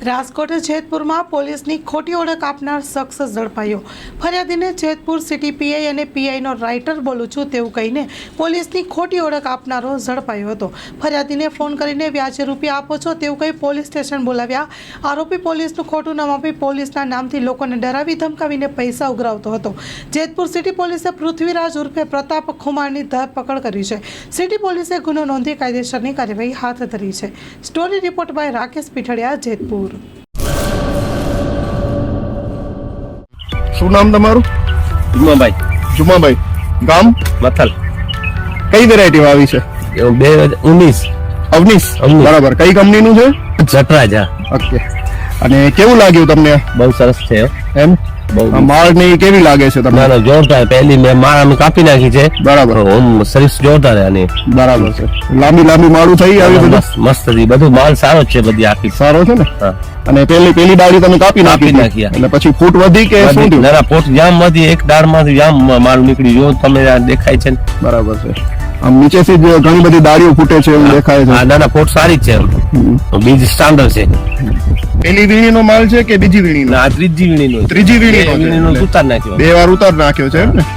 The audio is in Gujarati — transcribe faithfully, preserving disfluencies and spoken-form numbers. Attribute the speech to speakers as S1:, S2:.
S1: રાજકોટ જેતપુરમાં પોલીસની ખોટી ઓળખ આપનાર શખ્સ ઝડપાયો। ફરિયાદીને જેતપુર સિટી પીઆઈ અને પીઆઈનો રાઇટર બોલું છું તેવું કહીને પોલીસની ખોટી ઓળખ આપનારો ઝડપાયો હતો। ફરિયાદીને ફોન કરીને વ્યાજે રૂપિયા આપો છો તેવું કહી પોલીસ સ્ટેશન બોલાવ્યા। આરોપી પોલીસનું ખોટું નામ આપી પોલીસના નામથી લોકોને ડરાવી ધમકાવીને પૈસા ઉઘરાવતો હતો। જેતપુર સિટી પોલીસે પૃથ્વીરાજ ઉર્ફે પ્રતાપ ખુમારની ધરપકડ કરી છે। સિટી પોલીસે ગુનો નોંધી કાયદેસરની કાર્યવાહી હાથ ધરી છે। Story report by Rakesh Pithadiya, Jetpur.
S2: શું નામ તમારું?
S3: જુમાભાઈ
S2: જુમાભાઈ, ગામ
S3: મથલ,
S2: કઈ વેરાયટી આવી છે?
S3: બે હજાર ઉન્નીસ
S2: અવનીશ,
S3: અવનીશ.
S2: બરાબર। કઈ કંપનીનું છે?
S3: જટરાજા।
S2: ઓકે, અને કેવું લાગ્યું તમને?
S3: બહુ સરસ છે
S2: એમ
S3: બહુ
S2: આ માળ ને ઈ કેવી લાગે છે
S3: ના
S2: તમને?
S3: ના જોરદાર। પહેલી મેં માળ અમે કાપી નાખી છે,
S2: બરાબર
S3: ઓમ સર્વિસ જોરદાર છે આની।
S2: બરાબર છે। લાંબી લાંબી માળું થઈ આવી બધું
S3: મસ્ત મસ્ત હતી, બધું માલ સારો જ છે બધી આખી।
S2: સારો છે ને?
S3: હા,
S2: અને પેલી પેલી ડાળી તમે કાપી નાખી
S3: કાપી
S2: હતી.
S3: નાખી, હા.
S2: એટલે પછી ફૂટ વધી કે શું થયું?
S3: ના ના પોટ જામ માંથી એક દાળ માંથી જામ માલ નીકળી જો તમે આ દેખાય છે ને।
S2: બરાબર છે। આમ નીચેથી જ ઘણી બધી ડાળીઓ ફૂટે છે એવું દેખાય
S3: હા
S2: છે।
S3: ના ના પોટ સારી જ છે, બીજ સ્ટાન્ડર્ડ છે।
S2: પેલી વીણીનો માલ છે કે બીજી વીણીનો?
S3: ના આ ત્રીજી વીણીનો
S2: ત્રીજી વીણીનો છે.
S3: વીણીનો
S2: એટલે
S3: ઉતાર નાખ્યો।
S2: બે વાર ઉતાર નાખ્યો છે એમ ને?